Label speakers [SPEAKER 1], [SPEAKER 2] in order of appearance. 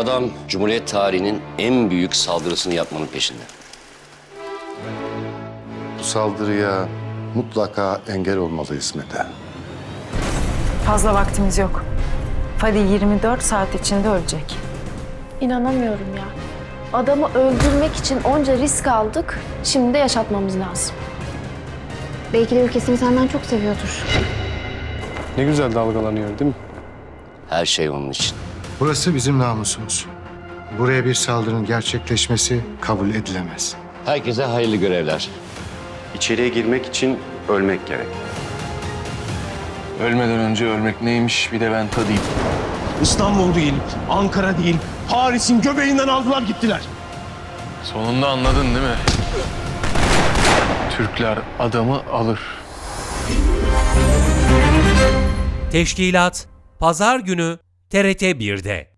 [SPEAKER 1] adam Cumhuriyet tarihinin en büyük saldırısını yapmanın peşinde.
[SPEAKER 2] Bu saldırıya mutlaka engel olmalıyız Mete.
[SPEAKER 3] Fazla vaktimiz yok. Fadi 24 saat içinde ölecek.
[SPEAKER 4] İnanamıyorum ya. Adamı öldürmek için onca risk aldık. Şimdi de yaşatmamız lazım.
[SPEAKER 5] Belki de ülkesini senden çok seviyordur.
[SPEAKER 6] Ne güzel dalgalanıyor değil mi?
[SPEAKER 1] Her şey onun için.
[SPEAKER 7] Burası bizim namusumuz. Buraya bir saldırının gerçekleşmesi kabul edilemez.
[SPEAKER 1] Herkese hayırlı görevler.
[SPEAKER 8] İçeriye girmek için ölmek gerek.
[SPEAKER 6] Ölmeden önce ölmek neymiş bir de ben tadayım.
[SPEAKER 9] İstanbul değil, Ankara değil, Paris'in göbeğinden aldılar gittiler.
[SPEAKER 6] Sonunda anladın değil mi? Türkler adamı alır.
[SPEAKER 10] Teşkilat Pazar günü TRT 1'de.